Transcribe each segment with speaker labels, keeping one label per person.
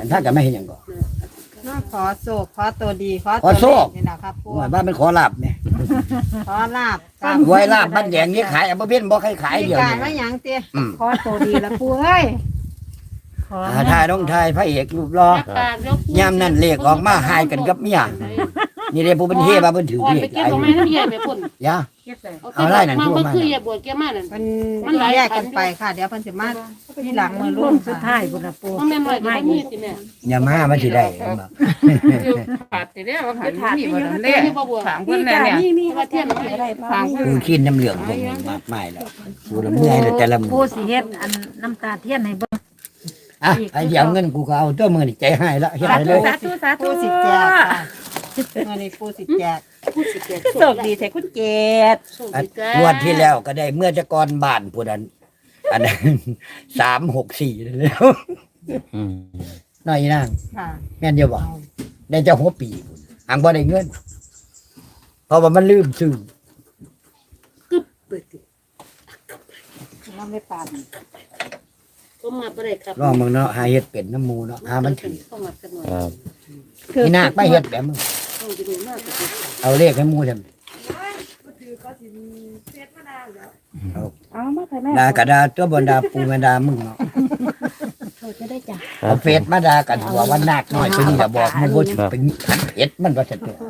Speaker 1: ถ้ากันไม่เห็นอย่างก่อน
Speaker 2: น้าขอโศกขอตัวดีขอ
Speaker 1: ขอ
Speaker 2: ตัว
Speaker 1: โชค
Speaker 2: นี่นะครับปู
Speaker 1: ว่าบ้านเป็นขอลาบเนี่ย
Speaker 2: ขอลาบ
Speaker 1: ไว้ลาบบ้านแดงนี่ขายบ่เพ็นบ่ใครขาย
Speaker 2: มี
Speaker 1: เดียว
Speaker 2: การ
Speaker 1: นี่
Speaker 2: ว่าหยังเตี้ย
Speaker 3: ขอตัวดีละปูเอ้ยขอ
Speaker 1: ทายต้องทายพระเอกรูปรอยามนั้นเลขออกมาหายกันกับเมียนี่เด้ผู้เป็นเฮบ่าเพิ่นถือ
Speaker 4: อ่อน
Speaker 1: เล
Speaker 4: ไป
Speaker 1: ข
Speaker 4: เก็บ
Speaker 1: ไอ้
Speaker 4: ตรงไหนน้ำเยี่ยมไปพุ่น
Speaker 1: ยา เอา
Speaker 4: เอา
Speaker 1: ไล่
Speaker 4: ไล่
Speaker 1: นั่
Speaker 4: นั่
Speaker 1: น
Speaker 4: น
Speaker 1: ทั่ว
Speaker 4: มัน
Speaker 1: มา
Speaker 4: คืออย่าบวชแกมานั่น
Speaker 2: มันแยกกันไปค่ะ เดี๋ยวเพิ่นสิมาที่หลังมือ
Speaker 3: ลุ
Speaker 2: ลุ
Speaker 3: ง
Speaker 2: ง
Speaker 3: สุด
Speaker 2: ค่ะ
Speaker 3: ท้ายบุญละปู
Speaker 4: มันแม่นไว้ก็บ่มีสิแม่
Speaker 1: อย่ามามันสิได้
Speaker 5: ขาดไปแล้วว่าขาดมีบ่ทัน
Speaker 4: เด้
Speaker 5: เด้
Speaker 4: นี่บ่บวช
Speaker 5: ถามเพิ่นแล้วเนี่ย
Speaker 3: นี่ว่าเทียนมันอะไรบ้าง
Speaker 1: กูคิดน้ำเหลืองผมมากมายแล้วกูละเมื่อยแล้วแต่ละมื้
Speaker 3: ปู
Speaker 1: อ
Speaker 3: สิเฮ็ดอันน้ำตาเทียนให้เบิ่ง
Speaker 1: อ่ะไอ้เดี๋ยวเงินกูก็เอาตัวมื้อนี่ใจให้ละเฮ็ดให้เลย
Speaker 3: สาธุสาธุ
Speaker 2: ปูสิแจกค่ะเมื่อนี้ปูสิแจก
Speaker 4: พูดสิแก่
Speaker 3: โชคดีแท้คุณเกด
Speaker 4: โชค
Speaker 1: อัน
Speaker 4: ดีจ้าง
Speaker 1: วดที่แล้วก็ได้เมื่อจะก่อนบ้านผู้นั้นอันนั้น364แล้วน้อยนาง
Speaker 2: ค่ะ
Speaker 1: แม่นเดียวบ่ได้เจ้าหัวปีพุ่นอังบ่ได้เงิน เพราะว่ามันลืมซื้อ
Speaker 3: น้ำไม่ปาน
Speaker 4: ก็มาบ่ได้ครับ
Speaker 1: ลองมึงเนาะหาเฮ็ดเป็นน้ำหมูเนาะหามันถือ
Speaker 4: เข้ามากันหน่อย
Speaker 1: นี่นาคไปเฮ็ดแบบมึง
Speaker 4: ต้องไปดูมากกว่าสิ
Speaker 1: เอาเลขให้หมูทำ
Speaker 3: เอามาให้แม่
Speaker 1: ด่ากระดาตัวบนดาปูแม่ดามึงเนาะ
Speaker 3: โทษจะได้จ้ะ
Speaker 1: เอาเฟซมาด่ากันหัววันนาคน้อยไปนี่ก็บอกมึงบ่ถือเป็นขันเพชรมันว่าซั่นตัว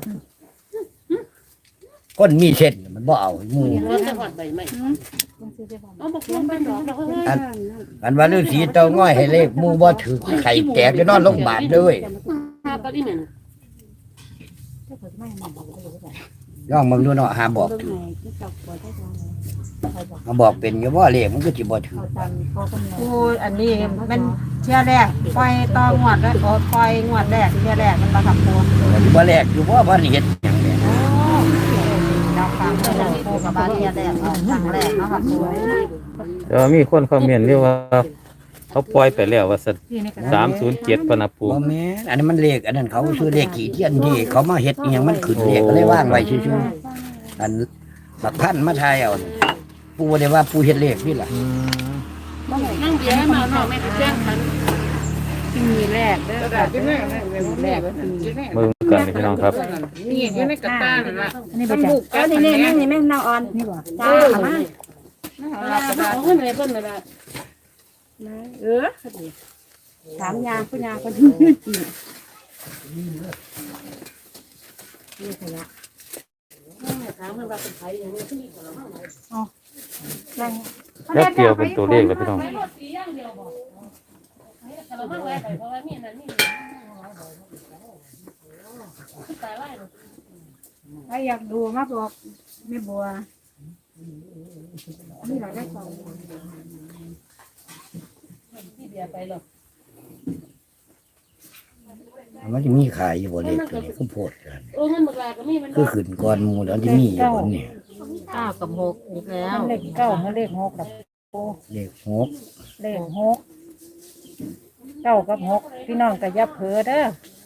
Speaker 1: คนมีเส้นมันบ่เอาหมู
Speaker 4: มันจะหอดใบไม้เอาบ่ควรเป็นดอกแล้วเฮ้ย
Speaker 1: อันว่าฤาษีเต้าง้อยให้เลขหมูบ่ถือไข่แตกจะนอนโรงพยาบาลเด้ย
Speaker 4: หาปลาอีแม่น
Speaker 1: ย่องมึงดูเนาะหาบอกถือมาบอกเป็นอยู่บ่เลขมันก็สิบ่ถือ
Speaker 2: ปูอันนี้มันเที่ยแรกปล่อยต่องวดแล้วปล่อยงวดแรกเที่ยแรกมันบ่ครับปู
Speaker 1: บ่แลกอยู่บ่เฮ็ดหยังแหละ
Speaker 2: เราฟังเรื่องปูกับบ้านเที่ยแรกเอาครั้งแรกเนาะครับปู
Speaker 6: แต่ว่ามีคนคอมเมนต์เรียกว่าเขาปล่อยไปแล้วว่าสั307ปะนะปู
Speaker 1: บ่แม่นอันนั้นมันเลขอันนั้นเขาซื้อเลขกี่เทียนที่เขามาเฮ็ดอีหยังมันขึ้นเลขก็เลยว่างไว้ซื่อๆอันบักพันมาทายเอานี่ปูบ่ได้ว่าปูเฮ็ดเลขนี่ล่ะ
Speaker 4: นั่งเบียร์ให้มาเนาะแม่ก็แจ้งคัน
Speaker 3: มีแรกเด้อค่ะ
Speaker 5: แรก
Speaker 6: เบิ่งกันพี่น้องครับ
Speaker 5: นี่อยู่ในกระต้านั่นล่ะ
Speaker 3: อันนี้บ่จ้ะเออนี่แม่นี่แม่นางอ่อนนี่บ่จ้าเอามา
Speaker 4: เอาเงินให้เพิ่นนั่นล่ะ
Speaker 3: เออถามยาผู้ยาคนนี่ขยะ
Speaker 4: ถามเพิ่นว่าเป็นไผอย่างนี้คือของเราเฮา
Speaker 6: แล้วเกี่ยวเป็นตัวเลขแล้วพี่น้อง
Speaker 4: ไปรถสีอย่างเดียวบ่แต่เราไม่ไว้ไปเพราะว่ามีนั่นนี่ตายไว้
Speaker 3: ถ้าอยากดูมาบอกแม่บัวนี่เราได้ของ
Speaker 4: ที่เบียร์ไปหรอก
Speaker 1: มันจะมีขายอยู่บ่เลขตัวนี้คือโพดกัน
Speaker 4: โอ้เงินบักลาก็มีมัน
Speaker 1: คือขึ้นก่อนหมู่แล้วที่มีอยู่บนนี่
Speaker 2: 9 กับ 6อีกแล้ว
Speaker 3: เลขเก้ามาเลขหกกับ
Speaker 1: เลข6
Speaker 3: เลขหกเก้ากับหกพี่น้องก็อย่าเผลอเด้อ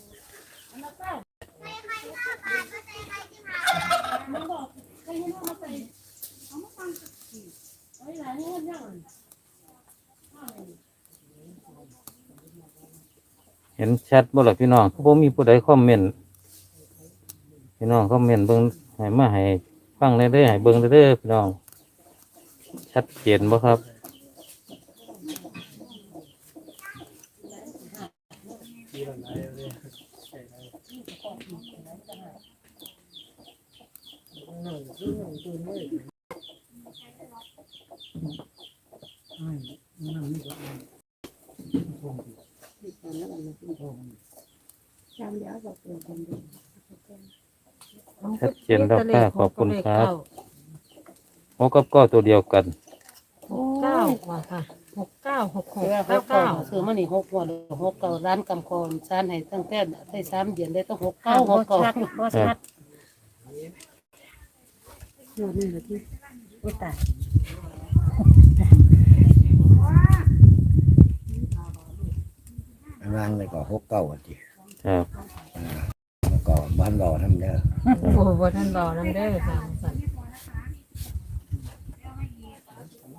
Speaker 6: เห็นแชทบ่ล่ะพี่น้องคือบ่มีผู้ใดคอมเมนต์พี่น้องคอมเมนต์เบิ่งให้มาให้ฟังได้เด้อให้เบิ่งได้เด้อพี่น้องชัดเจนบ่ครับ ชัดเจนแล้วค่ะขอบคุณครับหกกับเก้าตัวเดียวกัน
Speaker 2: 9ว่าค่ะ69 66
Speaker 4: ซื้อมานี่6กว่า6เก่าร้านกำคอนซานให้ตั้งแต่ได้3เดือนได้ต้อง6 9
Speaker 3: บ่
Speaker 4: 6เก่า
Speaker 3: ชัดบ่ชัด
Speaker 4: ยอดนี่ละที่
Speaker 3: อุ้ยตาย
Speaker 1: วางเลยก็6 9อ่ะติ
Speaker 6: ครับ
Speaker 1: แล้วก็บ้านรอทำเด้อ
Speaker 2: โอ้บ่ทันรอนํเด้อค่ะสั่น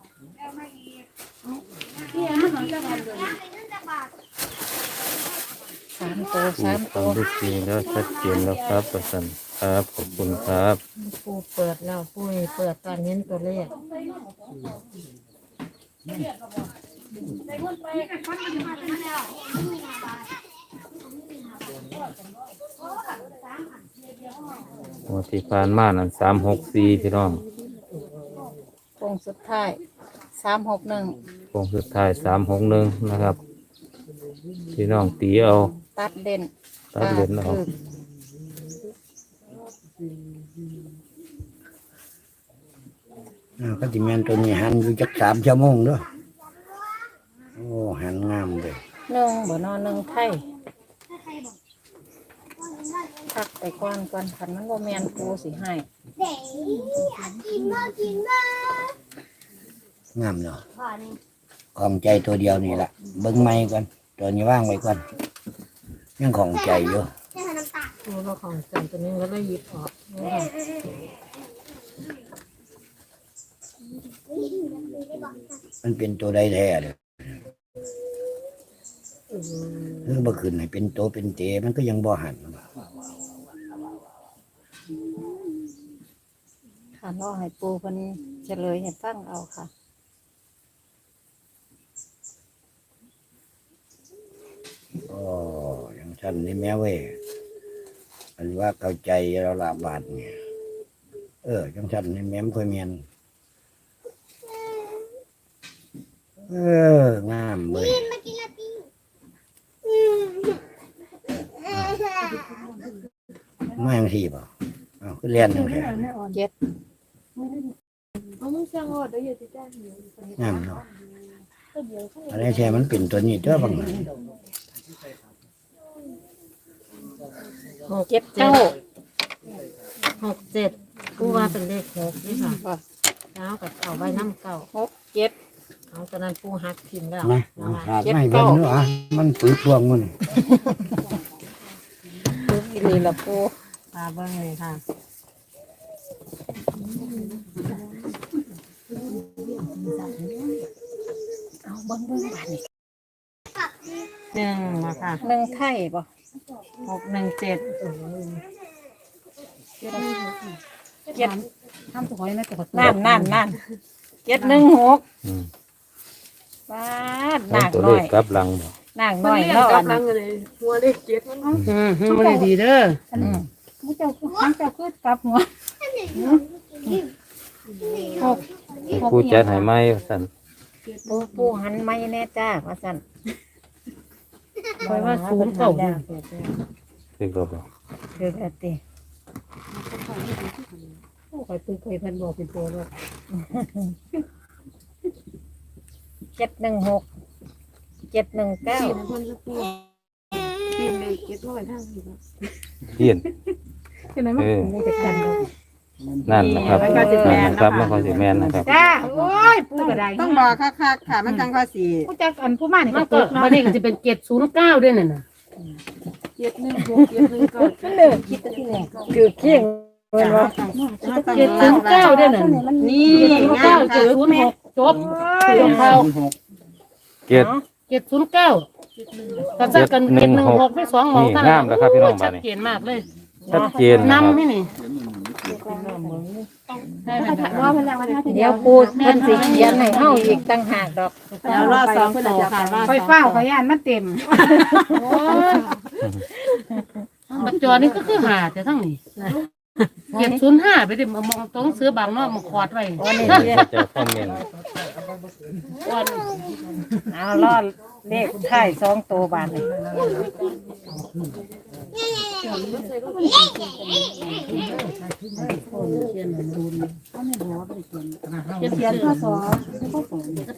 Speaker 4: นี่มันของเจ้าบ้านเด้อ
Speaker 3: 3 ตัว
Speaker 6: ที่
Speaker 3: 3 ตัว
Speaker 6: ทำได้จริงแล้วชัดเจนแล้วครับประสันครับขอบคุณครับ
Speaker 2: ปูเปิดแล้วปูเปิดตอนนี้ตัวเลข
Speaker 6: งวดที่ผ่านมานั่น364พี่น้อง
Speaker 3: โค้งสุดท้าย361
Speaker 6: โค้งสุดท้าย361นะครับพี่น้องตีเอา
Speaker 3: ตัดเด่น
Speaker 6: ตัดเหรียญเอา
Speaker 3: คือ
Speaker 1: ก็สิแม่นตัวนี้หันอยู่จัก3 ชั่วโมงเด้อโอ้หันงามเลย
Speaker 3: 1บ่นอน1ไทยพักไปก่อนคันมันบ่แม่นปูสิให้
Speaker 1: งามเนาะของใจตัวเดียวนี่ล่ะเบิ่งใหม่ก่อนตัวนี้ว่างไว้ก่อนยังของใจอยู่
Speaker 2: ปูเราของใจตัวนี้ก็เลยหยิบออกนี่ค่ะ
Speaker 1: มันเป็นตัวใดแท้เด้อบ่ขึ้นให้เป็นโตเป็นเตมันก็ยังบ่หัน
Speaker 3: ค่ะรอให้ปูเพิ่นเฉลยให้ฟังเอาค่ะ
Speaker 1: โอ้ยังฉันนี่แม่เว้ยอันว่าเข้าใจเราละบาทเนี่ยจังฉันนี่แม่ค่อยเมียนงามเว้ยมาอย่างที่ป่ะอ้าวคือเรียนจังแท้
Speaker 3: เจ็ด
Speaker 1: งามเนาะอะไรแช่มันเป็นตัวนี้เจ้าบัง
Speaker 3: เจ็ดเก้า
Speaker 2: 6 7ปูว่าเป็นเลข6นี่ค่ะแล้วกับเอาใบน้ำเก่า
Speaker 3: 6 7
Speaker 2: เอาตอนนั้นปูหักพิมพ์แล้ว
Speaker 1: นะขาดไม่เบิ่งเนาะมันปืดพวงมัน
Speaker 3: ปูอีหลีละปู
Speaker 2: ตาเบิ้งเลยค่ะ
Speaker 3: เอาเบิ่งบาดนี้
Speaker 2: 1มาค่ะ
Speaker 3: 1ไทยบ่
Speaker 2: 6 1 7
Speaker 3: เจ็ด
Speaker 4: ทำตัวไว้นะแต่ก็
Speaker 3: นั่น716
Speaker 6: อืม
Speaker 3: บาด
Speaker 6: เป็
Speaker 3: นาน ก
Speaker 6: ตัว
Speaker 3: น้
Speaker 6: เล
Speaker 3: อ
Speaker 6: ข
Speaker 3: ย
Speaker 6: กลับหลังบ่
Speaker 3: นางน้อยเนาะอันนั้น
Speaker 4: ไม่ได้ดีเด้อ
Speaker 3: มันจะคือกลับหัว6
Speaker 6: ผู้จัดให้ไหมสั่น
Speaker 3: ปูหันไม่แน่จ้าว่าซั่น
Speaker 4: คอยว่าศูนย์เก่า
Speaker 6: คือก็บอก
Speaker 3: คือแต่ติ
Speaker 4: คอยตื้อเคยเพิ่นบอกเป็นตัวว่า
Speaker 3: 716 719
Speaker 6: เพี้ยน
Speaker 4: เป็นไรมั้งมูจะกันเลย
Speaker 6: นั่นนะครับนั่นนะครับมันก็สิแม่นนะครับ
Speaker 3: จ้าโอ้ยปูกระได
Speaker 2: ต้องบอกคักๆค่ะมันจังว่าสิ
Speaker 3: ผู้จักอันผู้มานี่
Speaker 4: มั
Speaker 3: ก็
Speaker 4: น
Speaker 3: ต
Speaker 4: ก็
Speaker 3: กเนาะ
Speaker 4: มันนี่ก็จะเป็น709ด้วยน่ะนะ
Speaker 3: มันเลิกคิดแต่ที่แรกคือเคียงเพิ่นว่า
Speaker 4: 709ด้วยน่ะ
Speaker 2: นี่งามค่ะ
Speaker 4: 706จบเรื่องเขา
Speaker 6: เกียรติ
Speaker 4: 709กันซักกัน716ได้2หมอง
Speaker 6: นี่งามแล้วครับพี่น้องบ้านนี้
Speaker 4: ชัดเจนมากเลย
Speaker 6: ชัดเจนนะครับ
Speaker 4: นำนี่นี่
Speaker 3: เดี๋ยวปูเพิ่นสิเขียนให้เฮาอีกต่างหากดอก
Speaker 2: แล้วรอสองโตค่ะ
Speaker 3: ค่อยเฝ้าขอยานมันเต็ม
Speaker 4: ปัจจุบันนี้ก็คือหาแต่ทั้งนี้705ไปดิมองตรงเสือบางเนาะมันขอดไว้
Speaker 6: เขาจะคอมเมนต์
Speaker 3: เอารอดเลขท้าย2ตัวบาดนี้เขียนข้อสอบ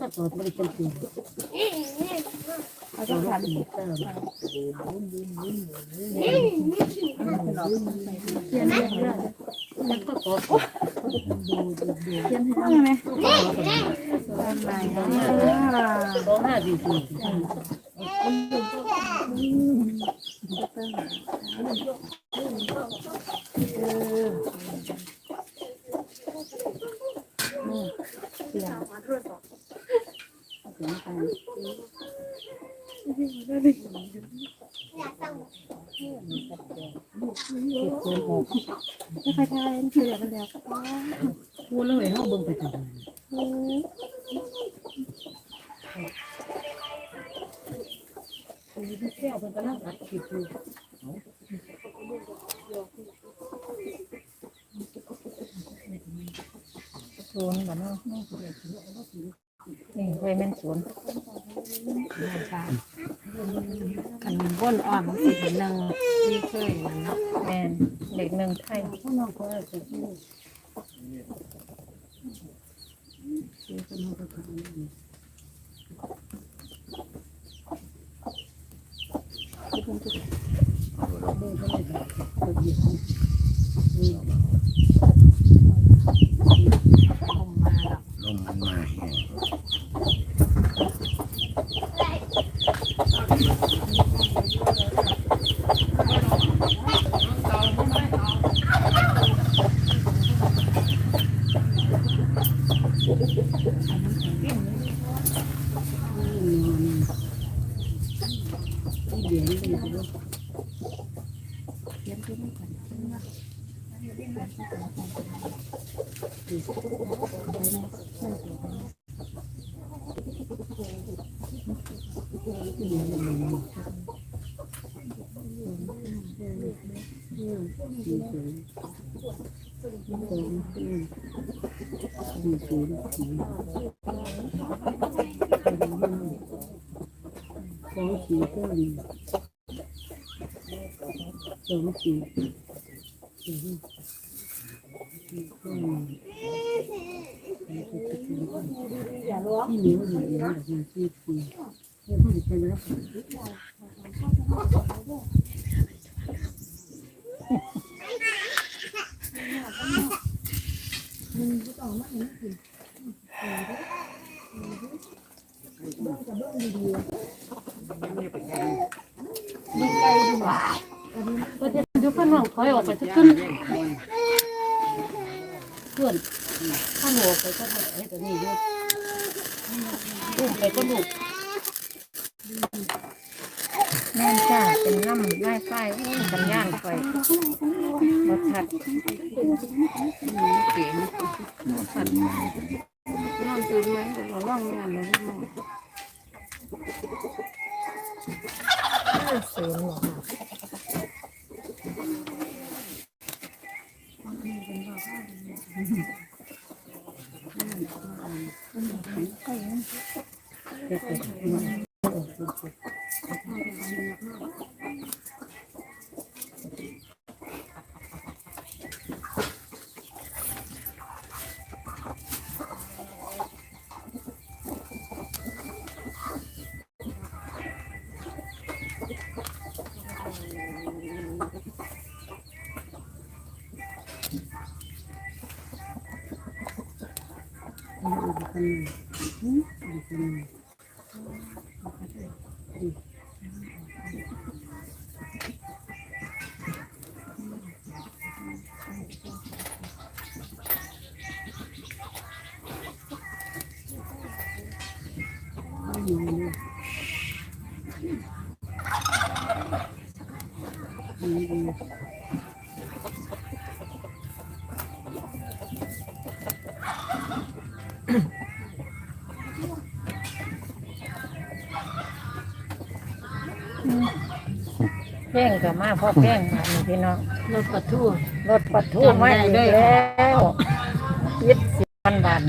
Speaker 4: พูดเลยเฮาเบิ่งไปจัง
Speaker 3: ศูนย์บ่เนาะนี่เว้ยแม่นศูนย์
Speaker 2: กันวนอ่อนมันสิเป็นหนึ่งที่เคยมันเนาะ
Speaker 3: แม่นเด็กหนึ่งไทย
Speaker 1: ลมมันมาแห้ง
Speaker 4: ก็จะเดี๋ยวเพิ่นน้องถอยออกไปจะขึ้นเพื่อนข้างหัวไปก็ไอ้ตัวนี้อยู่ลูกไปก็ลูก
Speaker 3: แม่นจ้าเป็นน้ำไล่ไฟโอ้ยสัญญาณไฟบ่ชัด
Speaker 5: เก๋นอนตื่นไหมเราล่องงานเลย
Speaker 3: ศูนย์เหรอเพ่งกับมาพ่อเพ่งมานี่พี่น้อง
Speaker 2: รถกระทู้
Speaker 3: รถปัดทูมาอีกแล้ว20,000 บาท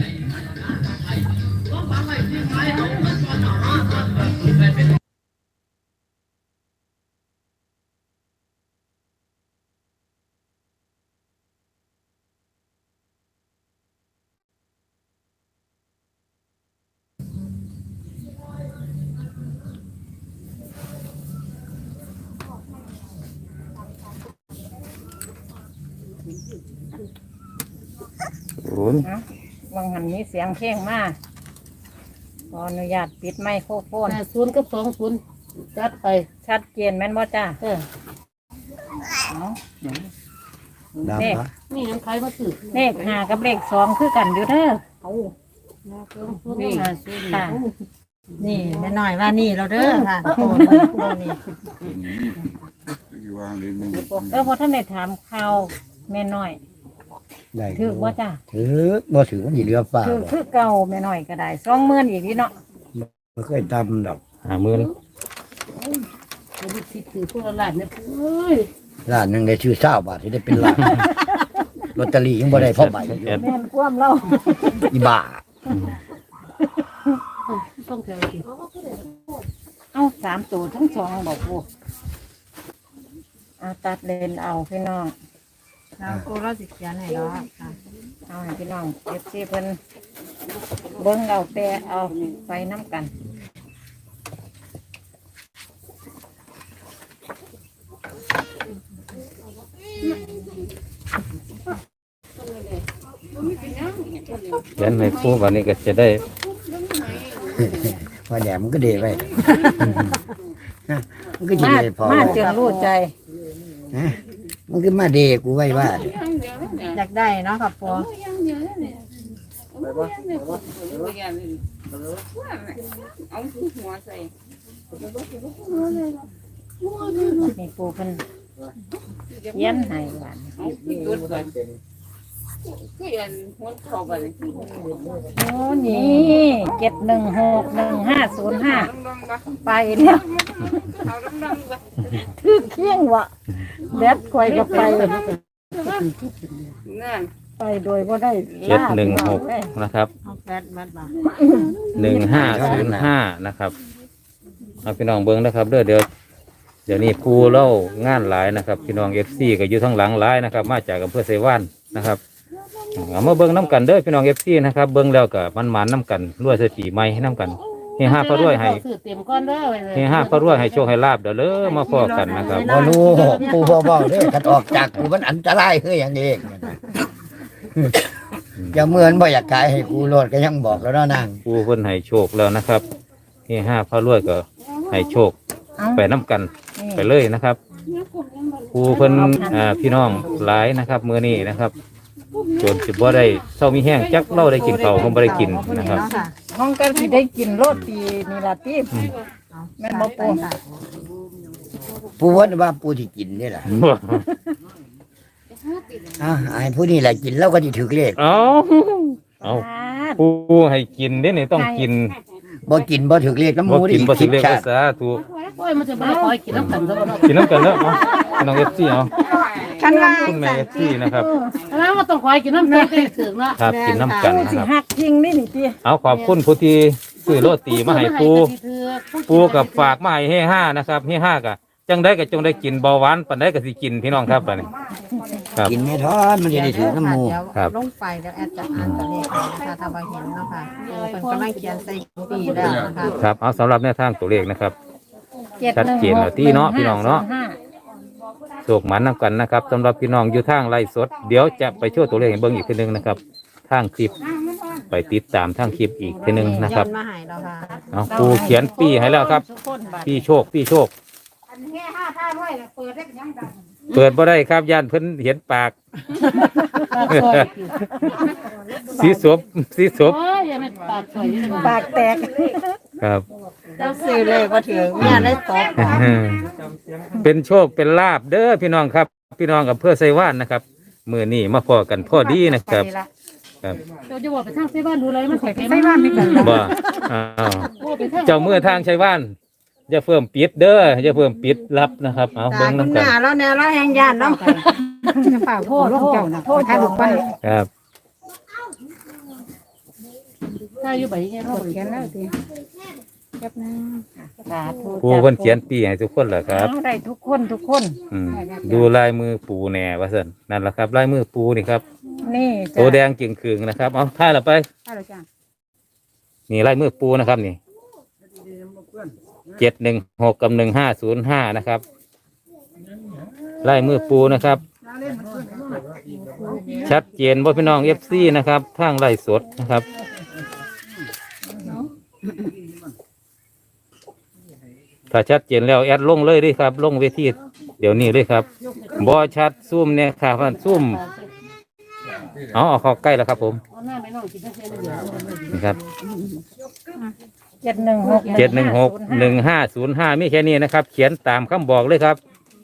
Speaker 6: ศูนย์
Speaker 3: นะวังหันมีเสียงเพลงมาขออนุญาตปิดไมโครโฟน
Speaker 4: 80กับ20จัดไป
Speaker 3: ชัดเจนแม่นบ่จ้า
Speaker 1: ดับ
Speaker 3: เลข
Speaker 1: ปะ
Speaker 4: นี่ยังใครมาซื้อ
Speaker 3: เลข5กับเลข2คือกันอยู่เด้อ
Speaker 4: นี่ค่ะ
Speaker 2: นี่แม่น้อยว่านี่เราเด้อค่ะโอ้นี่
Speaker 3: พอท่านได้ถามข่าวแม่น้อย
Speaker 1: ได้
Speaker 3: ถือว่าจ้ะ
Speaker 1: ถือบ่ถือมันสิเหลือฟ้า
Speaker 3: ถือ
Speaker 1: บ่
Speaker 3: คือเก่าแม่น้อยก็ได้20,000อีกนี่เนาะ
Speaker 1: บ่เคยตำดอก
Speaker 6: 50,000
Speaker 4: จะมีสิทธิ์ถือพวกหลานเนี่ยเอ้ย
Speaker 1: ร้านหนึงได้ชื่อ20บาทที่ได้เป็นล้านลอตเตอรี่ยังบ่ได้พอใบอยู่
Speaker 3: แม่นความเรา
Speaker 1: อีบ้า
Speaker 4: ต้องแถวสิ
Speaker 3: เอา3ตัวทั้ง2บอกปูเอาตัดเลนเอาพี่น้อง
Speaker 2: เราโอ้เราสิเขียนให้เราค่ะ
Speaker 3: เอาให้พี่น้องFCเพิ่นเบิ่งเอาแปะเอาไปน้ำกัน
Speaker 6: เขียนให้ปูวันนี้ก็จะได้
Speaker 1: ว่าแหนมันก็เดไว้ มันก็สิ
Speaker 3: มา
Speaker 1: ได้พอ
Speaker 3: มาจนรู้ใจ
Speaker 1: ฮะมันก็มาเดกูไว้ว่า
Speaker 2: อยากได้เนาะค่ะปู
Speaker 5: เอาหัวใส่
Speaker 3: นี่ปูเพิ่นเย็นให้หวาน
Speaker 5: เอาจุดก่อนคืออันหัวเข้าไปเลย
Speaker 3: โอ้นี่7161505ไปแล้ว
Speaker 5: เอาดำๆก่อน
Speaker 3: ถือเคียงวะแบดคอยก็ไป
Speaker 5: นั่น
Speaker 3: ไปโดยบ่ได้ลาพี่น้องเลย
Speaker 6: 716นะครับ
Speaker 2: เอาแฟตมัดบ่
Speaker 6: 1505นะครับเอาพี่น้องเบิ่งนะครับเดี๋ยวนี้ปูเล่างานหลายนะครับพี่น้อง FC ก็อยู่ทั้งหลังหลายนะครับ มาจากอำเภอไซว่านนะครับเอามาเบิ่งน้ำกันเด้อพี่น้อง FC นะครับเบิ่งแล้วก็มันหมานน้ำกันรวยเศรษฐีใหม่ให้น้ำกันเฮฮาพระรวยให้
Speaker 4: ซื้อเตรียมก้อนเด้อไว้เลย
Speaker 6: เฮฮาพระรวยให้โชคให้ลาบเด้อเลยมาพอกันนะครับ
Speaker 1: บ่รู้ปูบ่บอกเด้อคันออกจากกูมันอันตรายคืออย่างนี้อย่าเหมือนบ่อยากขายให้กูโลดก็ยังบอกแล้วเนาะนาง
Speaker 6: ปูเพิ่นให้โชคแล้วนะครับเฮฮาพระรวยก็ให้โชค
Speaker 3: เอา
Speaker 6: ไปน้ำกัน
Speaker 3: นี่
Speaker 6: ไปเลยนะครับปูเพิ่นพี่น้องหลายนะครับมื้อนี้นะครับจนสิบ่ได้เศร้ามีแห้งจักเราได้กินข้าวคงบ่ได้กินนะครับ
Speaker 2: เนาะค่ะ
Speaker 3: ห้องกันสิได้กินโรตีนี่ล่ะติแม่นบ่ปู
Speaker 1: ปูว่าปูที่กินนี่แหละไอ้ผู้นี่แหละกินแล้วก็สิถึกเลข
Speaker 6: เอาปูให้กินเด้นี่ต้องกิน
Speaker 1: บ่กินบ่ถึกเลขน้ำห
Speaker 6: บ่
Speaker 1: มู
Speaker 6: กินบ่สิ
Speaker 1: คิด
Speaker 6: เรียก
Speaker 1: ชา
Speaker 6: ว่า
Speaker 1: ติ
Speaker 6: สาธุ
Speaker 4: โอ้ยมันจะบ่ได้คอยกินน้ำกันซะบ่เนาะ
Speaker 6: กินน้ำกันแล้วเอาพี่น้อง FC เอา
Speaker 2: คันว่า
Speaker 6: คุณแม่ FC นะครับ
Speaker 4: แล้วมันต้องคอยกินน้ำกันก็ถึงเนาะ
Speaker 6: ครับกินน้ำกัน
Speaker 3: ปู
Speaker 6: นะ
Speaker 3: สิ
Speaker 6: ครับ
Speaker 3: หักจริงนี่นี่ติ
Speaker 6: เอาขอบคุณผู้ที่ซื้อโรตีมาให้ปูกับฝากมาให้เฮห้านะครับเฮห้ากะจังได้ก็จงได้กินเบาหวานปันได้ก็สิกินพี่น้องครับบัดนี้ครับ
Speaker 1: กินไม่ทอนมันจะได้ถึกน้ำหมู
Speaker 2: เดี๋ยว
Speaker 6: ครับ
Speaker 2: ลงไปแล้วแอดจะอ่านตัวเลขนะคะถ้าบ่เห็นเนาะค่ะเป็นกำลังเขียนใส่ปีแล้วนะคะ
Speaker 6: ครับเอาสำหรับแนวทางตัวเลขนะครับ
Speaker 3: 716
Speaker 6: ชัดเจนแล้วที่เนาะพี่น้องเนาะ โศกหมันนำกันนะครับสำหรับพี่น้องอยู่ทางไร่สดเดี๋ยวจะไปช่วยตัวเลขให้เบิ่งอีกทีหนึงนะครับทางคลิปไปติดตามทางคลิปอีกทีหนึงนะครับ
Speaker 2: ย้อมาให้เราค่ะ
Speaker 6: เอาปูเขียนปีให้แล้วครับปีโชคเปิดบ่ได้ครับย่านเพิ่นเห็นปาก สีสบ
Speaker 4: โอ้ยอย่าไม่ปากสวยอยู่
Speaker 3: ปากแตก
Speaker 6: ครับ
Speaker 2: เราซื้อเลยบ่ถึงเนี่ยได้ตก
Speaker 6: เป็นโชคเป็นลาบเด้อพี่น้องครับ พี่น้องกับเพื่อไซว่านนะครับมือนี้มาพอกันพอดีนะครับ ครับ
Speaker 4: เดี๋ยวจะบอกไปทางไสบ้านดูเลยมันข่อยไป
Speaker 3: ไสบ้านไม่กัน
Speaker 6: บ่อ้าวเจ้ามือทางชัยว่านอย่าเพิ่มปิดเด้ออย่าเพิ่มปิดรับนะครับเอา
Speaker 2: ตา
Speaker 6: เบิ่ง
Speaker 2: คุณ
Speaker 6: น้ำ
Speaker 2: ห
Speaker 6: กัน
Speaker 2: น้าแล้วแนวเราแหงยานเนาะฝากโทษเจ้านะโทษทางลูกไป
Speaker 6: ครับ
Speaker 4: ถ้าอยู่ไปแค่เรา
Speaker 2: เขียนแล้วสิ
Speaker 3: สาธุ
Speaker 6: ปูเพิ่นเขียนปีให้ทุกคนแหละครับ
Speaker 3: เอาได้ทุกคน
Speaker 6: อืมดูลายมือปูแหน่ว่าซั่นนั่นแหละครับลายมือปูนี่ครับ
Speaker 3: นี่
Speaker 6: ตัวแดงจึงคืงนะครับเอาท่ายละไป นี่ลายมือปูนะครับนี่716กับ1505นะครับลายมือปูนะครับ ชัดเจนว่าพี่น้อง FC นะครับทางไล่สดนะครับถ้าชัดเจนแล้วแอดลงเลยด้วยครับ ลงเวทีเดี๋ยวนี้เลยครับบอชัดซุ่มเนี่ยค่ะพันซุ่มเอาเข้าใกล้แล้วครับผม
Speaker 4: เอาหน้าไม่น้องกินได้แค่นี้เดียว
Speaker 6: นี่ครับ 716-1505มีแค่นี้นะครับ เขียนตามคำบอกเลยครับ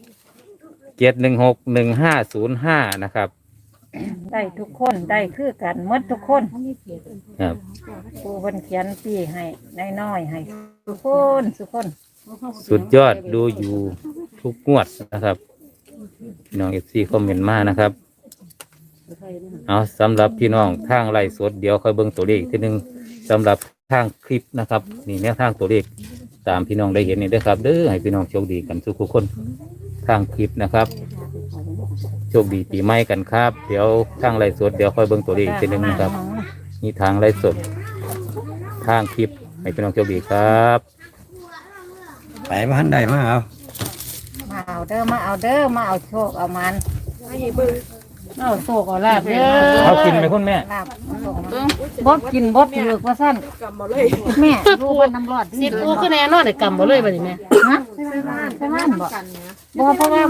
Speaker 6: 716-1505นะครับ
Speaker 3: ได้ทุกคนได้คือกันหมดทุกคน
Speaker 6: ครับ
Speaker 3: ปูเพิ่นเขียนปีให้น้อยๆให้ทุกคนทุกคน
Speaker 6: สุดยอดดูอยู่ทุกงวดนะครับพี่น้องFCคอมเมนต์มานะครับเอาสำหรับพี่น้องทางไลฟ์สดเดี๋ยวค่อยเบิ่งตัวเลขอีกทีหนึงสำหรับทางคลิปนะครับนี่แนวทางตัวเลขตามพี่น้องได้เห็นนี่เด้อครับเด้อให้พี่น้องโชคดีกันทุกคนทางคลิปนะครับโชคดีปีใหม่กันครับ เดี๋ยวทางไลฟ์สดเดี๋ยวค่อยเบิ่งตัวเลขอีกทีหนึงนะครับนี่ทางไลฟ์สดทางคลิปให้พี่น้องโชคดีครับ
Speaker 1: ไปบ้านได้มาเอา
Speaker 3: มาเอาเด้อมาเอาโชคเอามัน
Speaker 4: เอาโศกเอาลาบเด้อ
Speaker 6: เขากินไหมคุณแม่
Speaker 3: ลาบบ่กินบ่ถือว่าซั่นแม่รู้ว่าน้ำรอด
Speaker 4: สิปูคือแน่นอนได้กำบ่เลยบัดนี้แม่
Speaker 3: ฮะใช่บ้านบ่เพราะว่า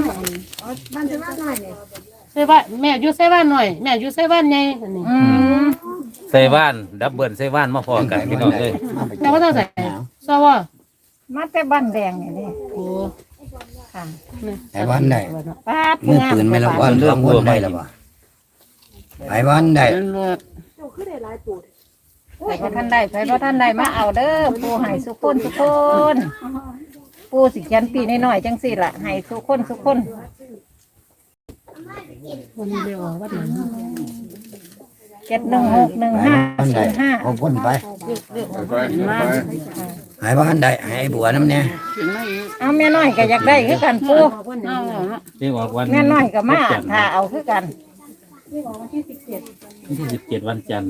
Speaker 4: ใส่บ้านแม่อยู่ใส่บ้านหน่อยแม่อยู่ใส่บ้านใหญ่อันนี้
Speaker 6: เซว่านดับเบิลเซว่านมาพอกันพี่น้องเลย
Speaker 4: แต่ว่าต้องใส่ซอวะ
Speaker 3: มาแต่บ้านแดงนี่
Speaker 4: โอ้
Speaker 3: ค่ะ
Speaker 1: ไปบ้านได้
Speaker 3: ป้า
Speaker 1: มือปืนไม่ละวันเรื่องคนได้ละบ่ไปบ้านได้
Speaker 4: นั่นเลิศ
Speaker 3: ใครบ่ท่านได้มาเอาเด้อปูให้สุกคนปูสิเขียนปีน้อยๆจังซี่ล่ะให้สุกคน
Speaker 4: วันนี้เรียกว่าวัดหนัง
Speaker 1: บ้านได้เอาคนไป
Speaker 4: มา
Speaker 1: หายบ้านได้หายบัวน้ำเนี่ย
Speaker 3: เอาแม่น้อยก็อยากได้คือกันปู
Speaker 4: เอาเนาะ
Speaker 6: ที่ออกวัน
Speaker 3: แม่น้อยก็มาถ้าเอาคือกัน
Speaker 6: ที่17วันจันทร์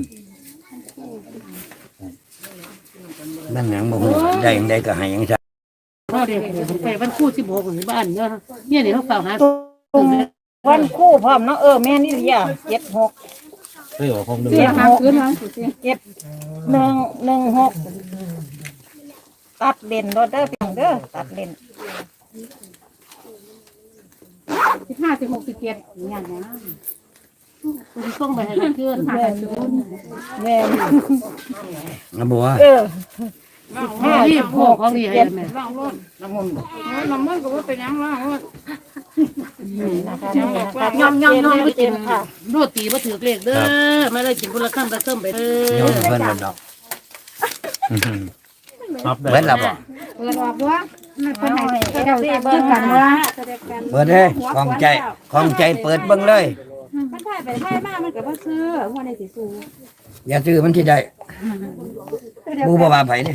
Speaker 1: บ้านหนังบ่ฮู้ได้ยังได้ก็ให้ยังซะ
Speaker 4: พ่อเด็กไปวันคู่16ของบ้านเนาะเนี่ยนี่เขาฝากหา
Speaker 3: วันคู่พร้อมเนาะแม่นี่อย่า76
Speaker 6: เคยออกของหนึ่ง
Speaker 3: 116ตัดเลนรถเด้อพี่น้องเด้อตัดเลน
Speaker 4: คุณส่งไปให้เพื่อน
Speaker 3: แม่
Speaker 1: นะบัว
Speaker 4: รีบพกของดีให้แม่
Speaker 5: น้ำมันก็ว่าเป็นยังล่ะ
Speaker 3: นะคะ
Speaker 4: ย่อมไปกินโรตีบ่ถือเลขเด้อไม่ได้กินคนละคำละคำไป
Speaker 1: โยนเพิ่นแล้วดอก
Speaker 6: ครับ
Speaker 1: เบิดแล้วบ่
Speaker 3: เจ้าที่เบิ่งกันว่า
Speaker 1: เปิดเด้ของใจเปิดเบิ่งเลย
Speaker 2: มันถ่ายไปถ่ายมามันก็บ่ซื้อว่าในสิซื้อ
Speaker 1: อย่าซื้อมันที่ได้บูบ่ว่าไผนี่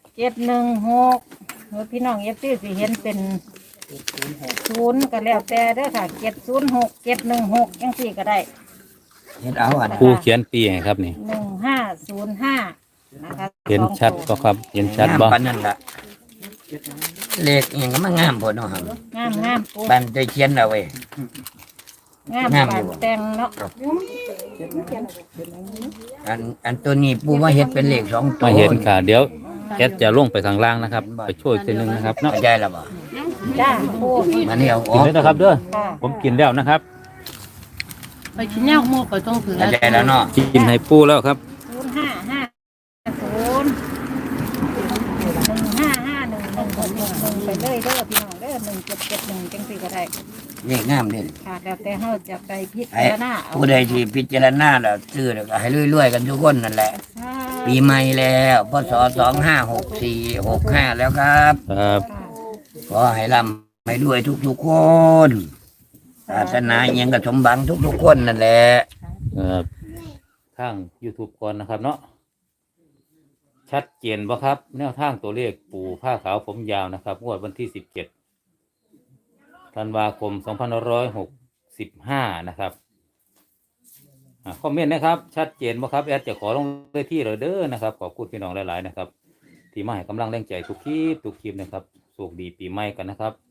Speaker 3: 716พี่น้องเอฟซีสิเห็นเป็น0ก็แล้วแต่เด้อค่ะ706 716จังซี่ก็ได้
Speaker 1: เฮ็ดเอาอัน
Speaker 6: ครูเขียนปีให้ครับนี่
Speaker 3: 1505นะคะ
Speaker 6: เห็นชัดก็ครับ เห็นชัดบ่
Speaker 1: ปานนั้นล่ะเลขอิหยังก็มางามพุ่นเนาะครับ
Speaker 3: งามปู
Speaker 1: บ้านใจเขียนเอาไว้
Speaker 3: งามปานแต่งเนาะ
Speaker 1: อันตัวนี้ปูมาเฮ็ดเป็นเลข2ตัว
Speaker 6: มาเห็นค่ะ เดี๋ยวแอดจะลงไปข้างล่างนะครับ ไปช่วยทีนึงนะครับเนาะ
Speaker 1: เข้าใจแล้วบ่
Speaker 3: จ้าปู
Speaker 1: มานี่เอาอ
Speaker 6: กิ
Speaker 1: อน ก
Speaker 6: เลยนะครับเด้อ
Speaker 3: ค่ะ
Speaker 6: ผมกินแล้วนะครับ
Speaker 4: ไปกินแนวหมูไปต้องถือ
Speaker 1: เข้าใจแล้วเนาะ
Speaker 6: กินให้ปูแล้วครับ
Speaker 3: 15501551ไปเลยเด้อพี่น้องเด้อ1771จังซี่ก็ได้
Speaker 1: เลขงามเด้อ
Speaker 3: ค่ะแล้วแต่เฮาจะไปพิจา
Speaker 1: ไอ้
Speaker 3: รณาเอา
Speaker 1: ผู้ใดที่พิจารณาแล้วซื้อแล้วก็ให้รวยๆกันทุกคนนั่นแหละ ปีใหม่แล้วพศ256465แล้วครับ
Speaker 6: ครับ
Speaker 1: ขอให้ร่ำให้รวยทุกๆคนศาสนาอิหยังก็สมบังทุกๆคนนั่นแหละ
Speaker 6: ครับทาง YouTube ก่อนนะครับเนาะชัดเจนบ่ครับ แนวทางตัวเลขปู่ผ้าขาวผมยาวนะครับงวดวันที่17ธันวาคม2565นะครับคอมเมนต์นะครับ ชัดเจนบ่ครับแอดจะขอลงเลยที่เลยเด้อนะครับขอบคุณพี่น้องหลายๆนะครับ ที่มาให้กำลังแรงใจทุกคลิปนะครับโชคดีปีใหม่กันนะครับ